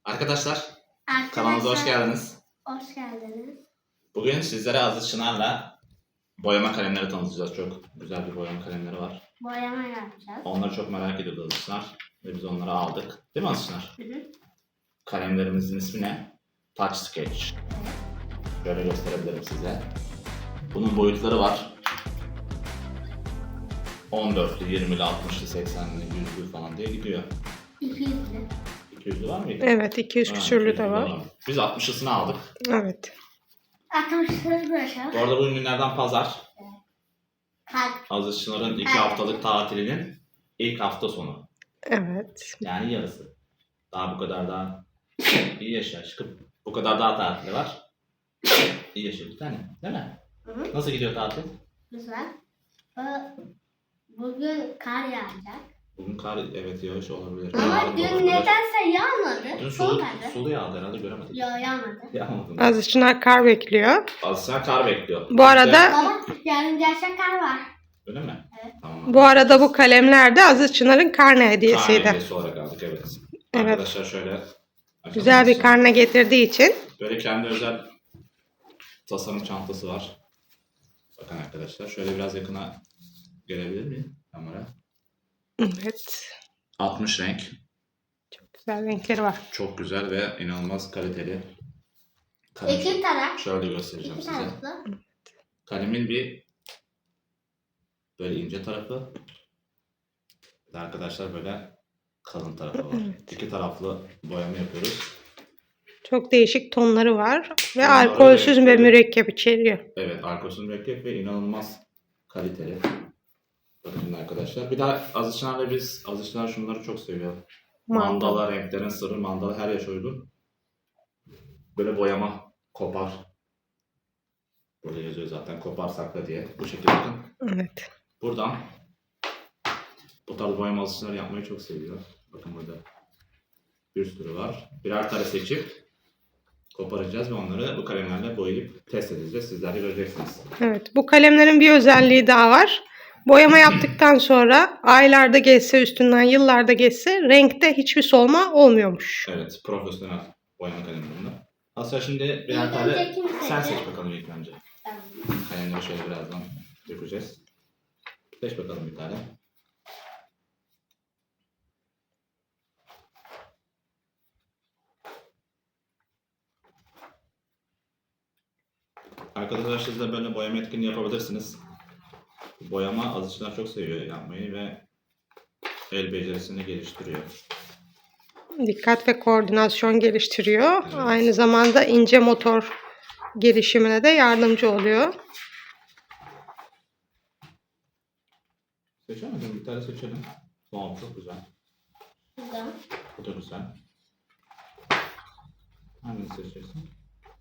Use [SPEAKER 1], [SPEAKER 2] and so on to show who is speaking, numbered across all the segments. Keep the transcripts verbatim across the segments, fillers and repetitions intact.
[SPEAKER 1] Arkadaşlar,
[SPEAKER 2] Arkadaşlar,
[SPEAKER 1] kanalımıza hoş geldiniz.
[SPEAKER 2] Hoş geldiniz.
[SPEAKER 1] Bugün sizlere Aziz Çınar'la boyama kalemleri tanıtacağız. Çok güzel bir boyama kalemleri var.
[SPEAKER 2] Boyama yapacağız.
[SPEAKER 1] Onları çok merak ediyordu Aziz Çınar ve biz onları aldık. Değil mi Aziz Çınar?
[SPEAKER 2] Hı hı.
[SPEAKER 1] Kalemlerimizin ismi ne? Touch Sketch. Şöyle gösterebilirim size. Bunun boyutları var. on dörtlü, yirmili, altmışlı, seksenli, yüzlü falan diye gidiyor.
[SPEAKER 2] iki yüzlü.
[SPEAKER 1] iki yüzlü var mıydı?
[SPEAKER 3] Evet, iki yüz
[SPEAKER 1] Ha,
[SPEAKER 3] küsürlü
[SPEAKER 1] iki yüzlü
[SPEAKER 3] de var.
[SPEAKER 1] Biz altmışlısını aldık.
[SPEAKER 3] Evet.
[SPEAKER 2] altmışlı bırakalım.
[SPEAKER 1] Bu arada bugün günlerden pazar.
[SPEAKER 2] Kalp.
[SPEAKER 1] Aziz Çınar'ın iki
[SPEAKER 2] Evet.
[SPEAKER 1] haftalık tatilinin ilk hafta sonu.
[SPEAKER 3] Evet.
[SPEAKER 1] Yani yarısı. Daha bu kadar daha iyi yaşa aşkım. Bu kadar daha tatili var. İyi yaşa bir tane. Değil mi?
[SPEAKER 2] Hı hı.
[SPEAKER 1] Nasıl gidiyor tatil?
[SPEAKER 2] Güzel. Bu- Bugün kar yağacak.
[SPEAKER 1] Bugün kar evet yağış olabilir.
[SPEAKER 2] Ama
[SPEAKER 1] Yarın
[SPEAKER 2] dün
[SPEAKER 1] olabilir.
[SPEAKER 2] nedense yağmadı.
[SPEAKER 1] Dün
[SPEAKER 2] Son
[SPEAKER 1] sulu,
[SPEAKER 2] geldi.
[SPEAKER 1] sulu yağdı herhalde göremedik.
[SPEAKER 2] Yo yağmadı.
[SPEAKER 1] Yağmadı.
[SPEAKER 3] Aziz Çınar kar bekliyor.
[SPEAKER 1] Aslında kar bekliyor.
[SPEAKER 3] Bu arada
[SPEAKER 2] Baba yarın gerçek kar var.
[SPEAKER 1] Öyle mi?
[SPEAKER 2] Evet.
[SPEAKER 1] Tamam.
[SPEAKER 3] bu arada bu kalemler de Aziz Çınar'ın karne
[SPEAKER 1] Karne
[SPEAKER 3] hediyesiydi.
[SPEAKER 1] hediyesi olarak aldık evet.
[SPEAKER 3] Evet.
[SPEAKER 1] Arkadaşlar şöyle açalım
[SPEAKER 3] Güzel bir
[SPEAKER 1] mısın?
[SPEAKER 3] karne getirdiği için.
[SPEAKER 1] Böyle kendi özel tasarım çantası var. Bakın arkadaşlar şöyle biraz yakına gelebilir miyim kamera?
[SPEAKER 3] Evet.
[SPEAKER 1] altmış renk.
[SPEAKER 3] Çok güzel renkleri var.
[SPEAKER 1] Çok güzel ve inanılmaz kaliteli. Kalem.
[SPEAKER 2] İki taraf.
[SPEAKER 1] Şöyle göstereceğim
[SPEAKER 2] İki
[SPEAKER 1] size.
[SPEAKER 2] taraflı.
[SPEAKER 1] Kalemin bir böyle ince tarafı ve arkadaşlar böyle kalın tarafı var.
[SPEAKER 3] Evet.
[SPEAKER 1] İki taraflı boyama yapıyoruz.
[SPEAKER 3] Çok değişik tonları var. Ve
[SPEAKER 1] Tonları,
[SPEAKER 3] alkolsüz ve
[SPEAKER 1] renkleri.
[SPEAKER 3] mürekkep içeriyor.
[SPEAKER 1] Evet, arkasını mürekkep ve inanılmaz kaliteli. Bakın şimdi arkadaşlar. Bir daha Aziz Çınar'la biz, Aziz Çınar şunları çok seviyor.
[SPEAKER 3] Mandala.
[SPEAKER 1] Mandala, renklerin sırrı, mandala her yaş uygun. Böyle boyama, kopar. Burada yazıyor zaten kopar sakla diye. Bu şekilde bakın.
[SPEAKER 3] Evet.
[SPEAKER 1] Buradan bu tarz boyama alışverişleri yapmayı çok seviyor. Bakın burada bir sürü var. Birer tane seçip koparacağız ve onları bu kalemlerle boyayıp test edeceğiz. Sizler de göreceksiniz.
[SPEAKER 3] Evet. Bu kalemlerin bir özelliği daha var. Boyama yaptıktan sonra aylarda geçse, üstünden yıllarda geçse renkte hiçbir solma olmuyormuş.
[SPEAKER 1] Evet, profesyonel boyama kalemlerinde. Aslında şimdi birer
[SPEAKER 2] İlk
[SPEAKER 1] tane
[SPEAKER 2] önce kim
[SPEAKER 1] sen
[SPEAKER 2] seçecek?
[SPEAKER 1] seç bakalım ilk önce.
[SPEAKER 2] Tamam.
[SPEAKER 1] Kalemleri şöyle birazdan dökeceğiz. Seç bakalım bir tane. Arkadaşlar siz de böyle boyama etkinliği yapabilirsiniz. Boyama Aziz Çınar çok seviyor yapmayı ve el becerisini geliştiriyor.
[SPEAKER 3] Dikkat ve koordinasyon geliştiriyor.
[SPEAKER 1] Evet.
[SPEAKER 3] Aynı zamanda ince motor gelişimine de yardımcı oluyor.
[SPEAKER 1] Seçemedim, bir tane seçelim. Tamam, çok güzel.
[SPEAKER 2] Güzel.
[SPEAKER 1] Bu da güzel. Hangisini seçeceksin?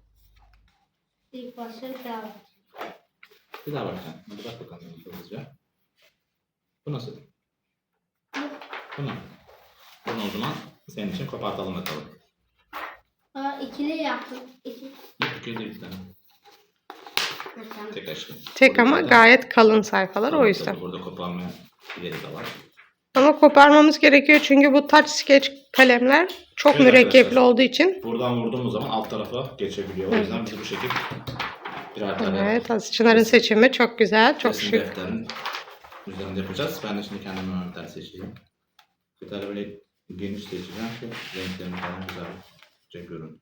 [SPEAKER 2] İlk başta bir daha var.
[SPEAKER 1] Bir daha bak sen. Hadi bak bakalım hızlıca. Bu nasıl? Bunu. Bunu o zaman senin için kopartalım bakalım.
[SPEAKER 2] Aa, ikili yaptım. İki.
[SPEAKER 1] Yok iki değil bir tane.
[SPEAKER 2] Mesela.
[SPEAKER 1] Tek aşkım.
[SPEAKER 3] Tek ama gayet kalın sayfalar o yüzden.
[SPEAKER 1] Tabii burada koparma yeri de var.
[SPEAKER 3] Ama koparmamız gerekiyor çünkü bu touch sketch kalemler çok
[SPEAKER 1] Evet
[SPEAKER 3] mürekkepli
[SPEAKER 1] arkadaşlar.
[SPEAKER 3] olduğu için.
[SPEAKER 1] Buradan vurduğumuz zaman alt tarafa geçebiliyor. O yüzden biz bu şekilde birer tane
[SPEAKER 3] Evet, Aziz Çınar'ın seçimi çok güzel, çok
[SPEAKER 1] resim
[SPEAKER 3] şık.
[SPEAKER 1] defterin üzerinde yapacağız. Ben de şimdi kendime bir tane seçeyim. Bir tane böyle geniş seçeceğim ki renklerini falan güzel çekiyorum.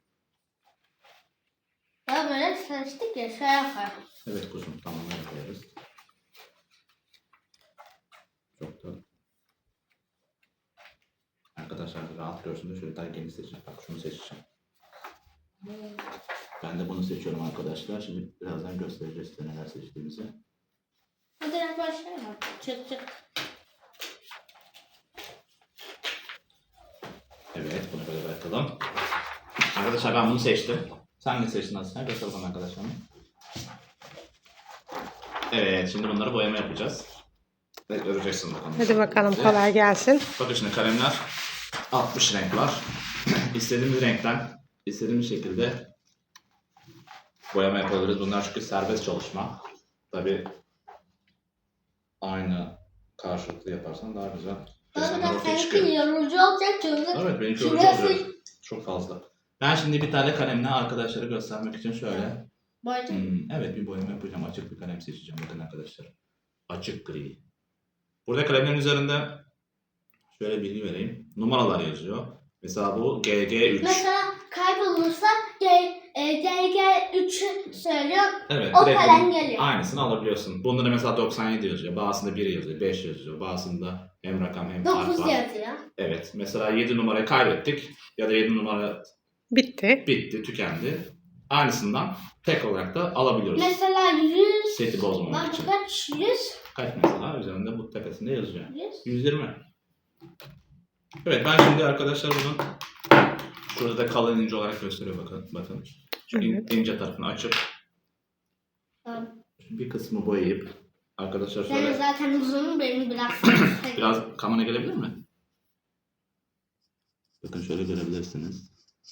[SPEAKER 2] Ya böyle seçtik ya şey yapar.
[SPEAKER 1] Evet kuzum tamam öyle koyarız. Çok da arkadaşlar rahat görsün de şöyle daha geniş seçeceğim. Bak şunu seçeceğim. Ben de bunu seçiyorum arkadaşlar. Şimdi birazdan göstereceğiz size neler seçtiğimizi.
[SPEAKER 2] Bu direkt böyle şey var. Çık çık.
[SPEAKER 1] Evet bunu böyle bırakalım. Arkadaşlar ben bunu seçtim. Sen ne seçtin aslında? Göster bana arkadaşlarım. Evet şimdi bunları boyama yapacağız. Ve göreceksiniz bakalım.
[SPEAKER 3] Hadi bakalım, kolay gelsin.
[SPEAKER 1] Bakın şimdi kalemler altmış renk var. İstediğimiz renkten, istediğimiz şekilde boyama yapabiliriz. Bunlar çünkü serbest çalışma. Tabi aynı karşılıklı yaparsan daha güzel
[SPEAKER 2] Baba
[SPEAKER 1] resimler
[SPEAKER 2] da
[SPEAKER 1] ortaya
[SPEAKER 2] seninki
[SPEAKER 1] çıkıyor.
[SPEAKER 2] yorucu olacak çünkü.
[SPEAKER 1] Evet benimki yorucu
[SPEAKER 2] Şurası
[SPEAKER 1] olacak. Çok fazla. Ben şimdi bir tane kalemle arkadaşlara göstermek için şöyle.
[SPEAKER 2] Boyacağım.
[SPEAKER 1] Hmm, evet bir boyama yapacağım. Açık bir kalem seçeceğim. Bakın arkadaşlar. Açık gri. Burada kalemlerin üzerinde şöyle bilgi vereyim. Numaralar yazıyor. Mesela bu G G üç.
[SPEAKER 2] Mesela kaybolursa G, e, G G üçü söylüyor.
[SPEAKER 1] Evet.
[SPEAKER 2] O
[SPEAKER 1] direkt
[SPEAKER 2] kalem
[SPEAKER 1] bunun
[SPEAKER 2] geliyor.
[SPEAKER 1] Aynısını alabiliyorsun. Bunda da mesela doksan yedi yazıyor. Bazısında bir yazıyor. beş yazıyor. Bazısında hem rakam hem harf
[SPEAKER 2] dokuz
[SPEAKER 1] var.
[SPEAKER 2] yazıyor.
[SPEAKER 1] Evet. Mesela yedi numarayı kaybettik. Ya da yedi numara
[SPEAKER 3] Bitti.
[SPEAKER 1] bitti, tükendi. Aynısından tek olarak da alabiliyoruz.
[SPEAKER 2] Mesela yüz.
[SPEAKER 1] Seti bozmamak
[SPEAKER 2] Bak
[SPEAKER 1] için.
[SPEAKER 2] kaç? yüz.
[SPEAKER 1] Kaç mesela? Üzerinde bu tepesinde yazıyor.
[SPEAKER 2] yüz.
[SPEAKER 1] yüz yirmi. Evet ben şimdi arkadaşlar bunu şurada da kalın ince olarak gösteriyor bakın. bakın. Şu in-
[SPEAKER 3] Evet.
[SPEAKER 1] ince tarafını açıp
[SPEAKER 2] Tamam.
[SPEAKER 1] bir kısmı boyayıp arkadaşlar
[SPEAKER 2] Senin
[SPEAKER 1] şöyle
[SPEAKER 2] zaten uzun benim biraz.
[SPEAKER 1] biraz kamera gelebilir mi? Bakın şöyle görebilirsiniz.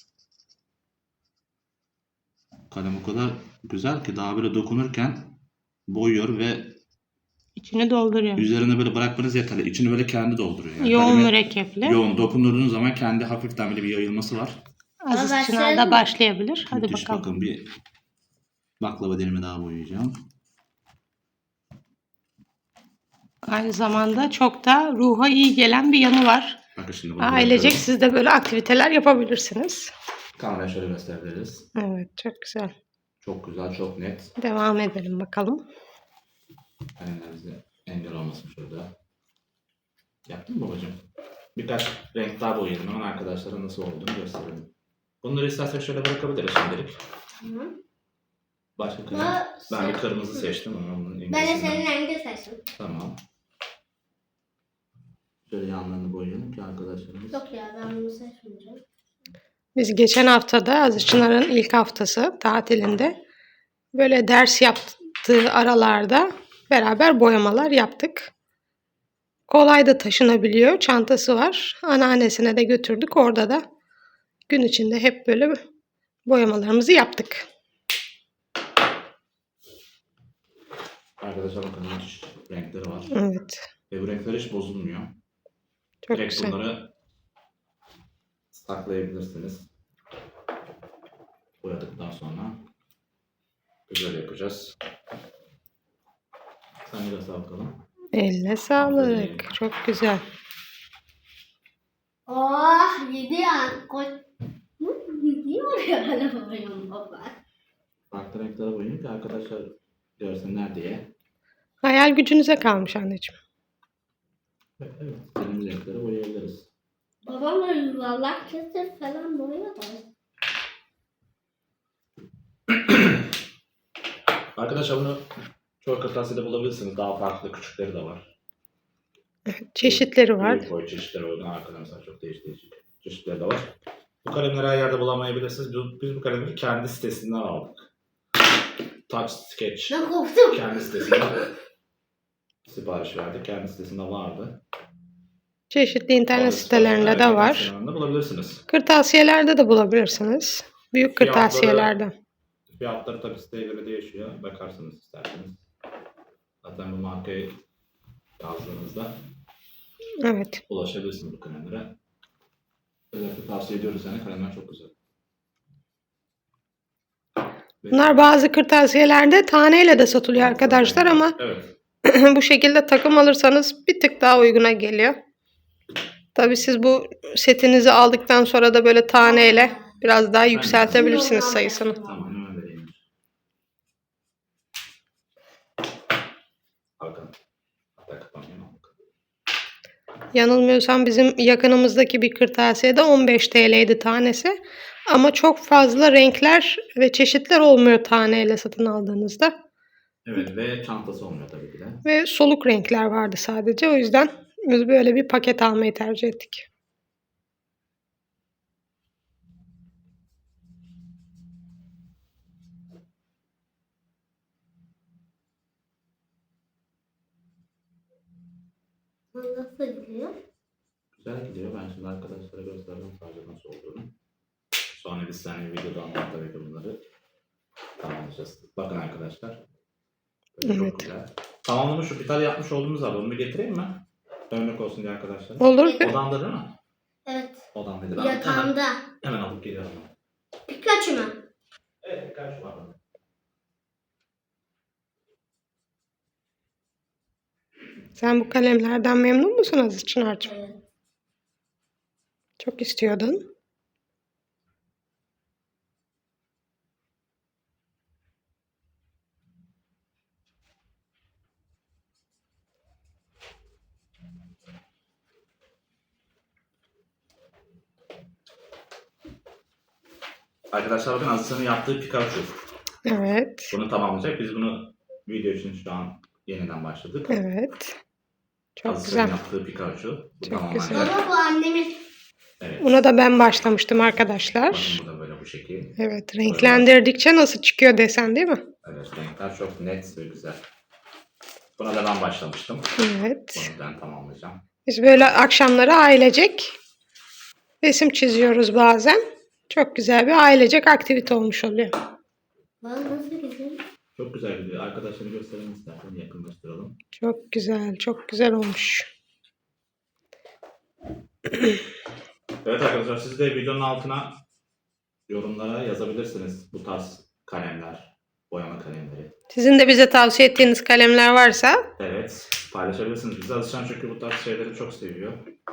[SPEAKER 1] Kalem o kadar güzel ki daha böyle dokunurken boyuyor ve
[SPEAKER 3] İçini dolduruyor.
[SPEAKER 1] üzerine böyle bırakmanız yeterli. İçini böyle kendi dolduruyor. Yani
[SPEAKER 3] Yoğun
[SPEAKER 1] kalemi
[SPEAKER 3] mürekkepli.
[SPEAKER 1] yoğun dokunduğunuz zaman kendi hafiften böyle bir yayılması var.
[SPEAKER 3] Aziz
[SPEAKER 2] Ama
[SPEAKER 3] Çınar
[SPEAKER 2] başlayalım
[SPEAKER 3] da
[SPEAKER 2] mı?
[SPEAKER 3] başlayabilir. Hadi
[SPEAKER 1] Müthiş
[SPEAKER 3] bakalım.
[SPEAKER 1] bakın bir baklava dilimi daha boyayacağım.
[SPEAKER 3] Aynı zamanda çok da ruha iyi gelen bir yanı var.
[SPEAKER 1] Bakın şimdi bunu
[SPEAKER 3] Ailecek
[SPEAKER 1] bırakıyorum.
[SPEAKER 3] siz de böyle aktiviteler yapabilirsiniz.
[SPEAKER 1] Kameraya şöyle gösterebiliriz.
[SPEAKER 3] Evet, çok güzel.
[SPEAKER 1] Çok güzel, çok net.
[SPEAKER 3] Devam edelim bakalım.
[SPEAKER 1] Kalemlerimize engel olmasın şurada. Yaptın mı babacığım? Birkaç renk daha boyadım. Hemen arkadaşlara nasıl olduğunu gösterelim. Bunları istersek şöyle bırakabiliriz şimdilik.
[SPEAKER 2] Hı.
[SPEAKER 1] Başka kalem.
[SPEAKER 2] Ama
[SPEAKER 1] Ben bir
[SPEAKER 2] sen-
[SPEAKER 1] kırmızı seçtim ama onun
[SPEAKER 2] Ben de
[SPEAKER 1] İngilizcesinden-
[SPEAKER 2] senin rengi seçtim.
[SPEAKER 1] Tamam. Şöyle yanlarını boyayalım ki arkadaşlarımız.
[SPEAKER 2] Yok ya ben bunu seçmeyeceğim.
[SPEAKER 3] Biz geçen haftada Aziz Çınar'ın ilk haftası tatilinde böyle ders yaptığı aralarda beraber boyamalar yaptık. Kolay da taşınabiliyor. Çantası var. Anneannesine de götürdük. Orada da gün içinde hep böyle boyamalarımızı yaptık.
[SPEAKER 1] Arkadaşlar bakın müthiş renkleri var.
[SPEAKER 3] Evet.
[SPEAKER 1] Ve bu renkler hiç bozulmuyor.
[SPEAKER 3] Çok
[SPEAKER 1] Direkt
[SPEAKER 3] güzel.
[SPEAKER 1] bunları saklayabilirsiniz. Boyadıktan sonra güzel yapacağız. Sen de sağ bakalım.
[SPEAKER 3] Eline sağlık. Çok güzel.
[SPEAKER 2] Oh gidiyor. Koy. Hı, gidiyor ya hala babam baba.
[SPEAKER 1] Farklı renklere boyayayım ki arkadaşlar görsünler diye.
[SPEAKER 3] Hayal gücünüze kalmış anneciğim.
[SPEAKER 1] Evet, evet. Istediğimiz renkleri boyayabiliriz.
[SPEAKER 2] Babam da yuvarlak kesir falan boyuyor da.
[SPEAKER 1] Arkadaşlar bunu çoğu kırtasiyede bulabilirsiniz. Daha farklı küçükleri de var.
[SPEAKER 3] Çeşitleri var.
[SPEAKER 1] Büyük boy çeşitleri uygun. Arkada mesela çok değişik değişik çeşitleri de var. Bu kalemleri her yerde bulamayabilirsiniz. Biz, biz bu kalemleri kendi sitesinden aldık. Touch Sketch.
[SPEAKER 2] Ben korktum.
[SPEAKER 1] Kendi sitesinden sipariş verdik. Kendi sitesinde vardı.
[SPEAKER 3] Çeşitli internet
[SPEAKER 1] Orada
[SPEAKER 3] sitelerinde
[SPEAKER 1] sipariş
[SPEAKER 3] de
[SPEAKER 1] verdik.
[SPEAKER 3] var.
[SPEAKER 1] İnternet sitelerinde bulabilirsiniz.
[SPEAKER 3] Kırtasiyelerde de bulabilirsiniz. Büyük
[SPEAKER 1] Fiyatları-
[SPEAKER 3] kırtasiyelerde.
[SPEAKER 1] Fiyatları tabii siteye göre değişiyor. Bakarsınız isterseniz. Zaten bu markayı yazdığınızda
[SPEAKER 3] Evet.
[SPEAKER 1] ulaşabilirsiniz bu kalemlere. Özellikle tavsiye ediyoruz yani kalemler çok güzel.
[SPEAKER 3] Bunlar bazı kırtasiyelerde taneyle de satılıyor arkadaşlar ama
[SPEAKER 1] Evet.
[SPEAKER 3] bu şekilde takım alırsanız bir tık daha uyguna geliyor. Tabii siz bu setinizi aldıktan sonra da böyle taneyle biraz daha yükseltebilirsiniz sayısını.
[SPEAKER 1] Tamam hemen vereyim. Bakın. Hatta kapanıyor.
[SPEAKER 3] Yanılmıyorsam bizim yakınımızdaki bir kırtasiyede on beş T L'ydi tanesi. Ama çok fazla renkler ve çeşitler olmuyor taneyle satın aldığınızda.
[SPEAKER 1] Evet ve çantası olmuyor tabii ki de.
[SPEAKER 3] Ve soluk renkler vardı sadece. O yüzden biz böyle bir paket almayı tercih ettik.
[SPEAKER 2] Nasıl gidiyor?
[SPEAKER 1] Güzel gidiyor. Ben şimdi arkadaşlara gösterdim sadece nasıl olduğunu. Sonra biz seninle videoda anlat tabii ki bunları tamamlayacağız. Bakın arkadaşlar. Böyle
[SPEAKER 3] Evet.
[SPEAKER 1] Çok güzel. Tamamlamış şu bir tane yapmış olduğumuz var. Onu bir getireyim mi? Örnek olsun diye arkadaşlar.
[SPEAKER 3] Olur.
[SPEAKER 1] Odanda değil mi?
[SPEAKER 2] Evet.
[SPEAKER 1] Odamdaydı. Ben hemen,
[SPEAKER 2] Yatağında.
[SPEAKER 1] hemen alıp geliyorum.
[SPEAKER 2] Pikachu mu?
[SPEAKER 1] Evet, birkaç var.
[SPEAKER 3] Sen bu kalemlerden memnun musun Aziz Çınar'cığım?
[SPEAKER 2] Evet.
[SPEAKER 3] Çok istiyordun.
[SPEAKER 1] Arkadaşlar bakın Aziz'in yaptığı Pikachu.
[SPEAKER 3] Evet.
[SPEAKER 1] Bunu tamamlayacak. Biz bunu video için şu an yeniden başladık.
[SPEAKER 3] Evet. Çok
[SPEAKER 1] Aziz'in
[SPEAKER 3] güzel.
[SPEAKER 1] yaptığı Pikachu. Bu
[SPEAKER 3] Çok
[SPEAKER 1] tamamlanacak.
[SPEAKER 3] güzel.
[SPEAKER 2] Baba bu annemin.
[SPEAKER 1] Evet.
[SPEAKER 3] Buna da ben başlamıştım arkadaşlar.
[SPEAKER 1] Bakın bu da böyle bu şekil.
[SPEAKER 3] Evet. Renklendirdikçe nasıl çıkıyor desen değil mi?
[SPEAKER 1] Evet, renkler çok net ve güzel. Buna da ben başlamıştım.
[SPEAKER 3] Evet.
[SPEAKER 1] Bunu ben tamamlayacağım.
[SPEAKER 3] Biz böyle akşamları ailecek resim çiziyoruz bazen. Çok güzel bir ailecek aktivite olmuş oluyor.
[SPEAKER 2] Baba nasıl güzel?
[SPEAKER 1] Çok güzel gidiyor. Arkadaşları gösterelim istersen. Yakınlaştıralım.
[SPEAKER 3] Çok güzel, çok güzel olmuş.
[SPEAKER 1] Evet arkadaşlar, siz de videonun altına yorumlara yazabilirsiniz bu tarz kalemler, boyama kalemleri.
[SPEAKER 3] Sizin de bize tavsiye ettiğiniz kalemler varsa
[SPEAKER 1] Evet, paylaşabilirsiniz. Bize alışan çünkü bu tarz şeyleri çok seviyor.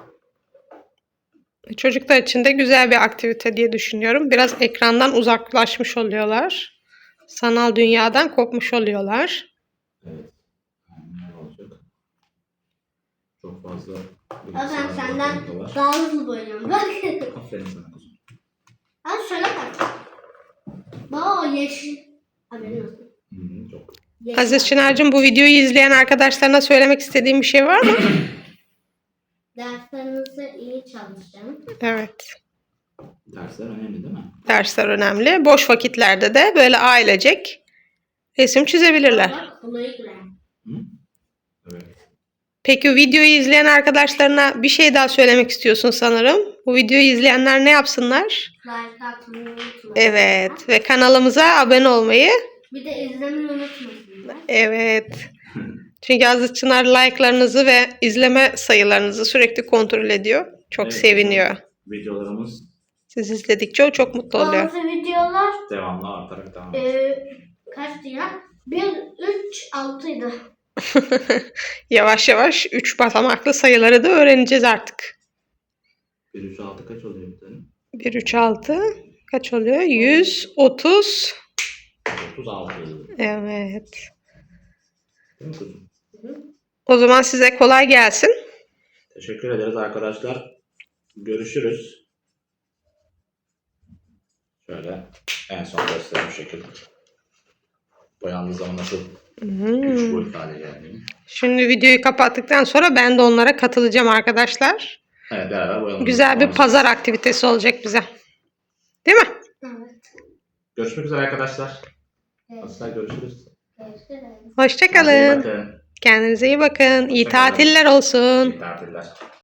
[SPEAKER 3] çocuklar için de güzel bir aktivite diye düşünüyorum. Biraz ekrandan uzaklaşmış oluyorlar. Sanal dünyadan kopmuş oluyorlar.
[SPEAKER 1] Evet. Yani ne olacak? Çok fazla
[SPEAKER 2] Baba ben
[SPEAKER 1] bilgisayar
[SPEAKER 2] senden
[SPEAKER 1] ortamında var.
[SPEAKER 2] daha hızlı boyuyorum. Bak.
[SPEAKER 1] Aferin sana kuzum.
[SPEAKER 2] Al şöyle bak. Baba o yeşil. Haberin olsun.
[SPEAKER 1] Hı hı, çok.
[SPEAKER 2] Yeşil.
[SPEAKER 3] Aziz Çınar'cığım, bu videoyu izleyen arkadaşlarına söylemek istediğin bir şey var mı?
[SPEAKER 2] Derslerinizi iyi çalışın.
[SPEAKER 3] Evet.
[SPEAKER 1] Dersler önemli değil mi?
[SPEAKER 3] Dersler önemli. Boş vakitlerde de böyle ailecek resim çizebilirler.
[SPEAKER 2] Bak Chloe Glen.
[SPEAKER 1] Hı? Evet.
[SPEAKER 3] Peki videoyu izleyen arkadaşlarına bir şey daha söylemek istiyorsun sanırım. Bu videoyu izleyenler ne yapsınlar?
[SPEAKER 2] Like atmayı unutmayın.
[SPEAKER 3] Evet, ve kanalımıza abone olmayı.
[SPEAKER 2] Bir de izlemeyi unutmasınlar.
[SPEAKER 3] Evet. Çünkü Aziz Çınar like'larınızı ve izleme sayılarınızı sürekli kontrol ediyor. Çok
[SPEAKER 1] Evet,
[SPEAKER 3] seviniyor.
[SPEAKER 1] Videolarımız
[SPEAKER 3] Siz izledikçe o çok mutlu oluyor.
[SPEAKER 2] Bazı videolar
[SPEAKER 1] devamlı artarak devam ediyor.
[SPEAKER 2] e, kaçtı ya? bir, üç, altıydı.
[SPEAKER 3] Yavaş yavaş üç basamaklı sayıları da öğreneceğiz artık.
[SPEAKER 1] bir üç altı kaç oluyor bir tane?
[SPEAKER 3] bir, üç, altı kaç oluyor? yüz otuz.
[SPEAKER 1] otuz altı.
[SPEAKER 3] Evet.
[SPEAKER 1] Değil mi kuzum?
[SPEAKER 3] O zaman size kolay gelsin.
[SPEAKER 1] Teşekkür ederiz arkadaşlar. Görüşürüz. Şöyle en son göstereyim bu şekilde. Boyandığı zaman nasıl
[SPEAKER 3] Hmm.
[SPEAKER 1] üç boyutlu hale geldiğini.
[SPEAKER 3] Şimdi videoyu kapattıktan sonra ben de onlara katılacağım arkadaşlar.
[SPEAKER 1] Evet, beraber boyalım.
[SPEAKER 3] Güzel bir pazar aktivitesi olacak bize. Değil mi?
[SPEAKER 2] Evet.
[SPEAKER 1] Görüşmek üzere arkadaşlar.
[SPEAKER 2] Evet.
[SPEAKER 1] Asla görüşürüz.
[SPEAKER 2] Görüşürüz.
[SPEAKER 1] Kendinize iyi
[SPEAKER 3] Hoşçakalın.
[SPEAKER 1] bakın.
[SPEAKER 3] Kendinize iyi bakın. İyi
[SPEAKER 1] Hoşça kalın.
[SPEAKER 3] tatiller olsun.
[SPEAKER 1] İyi tatiller.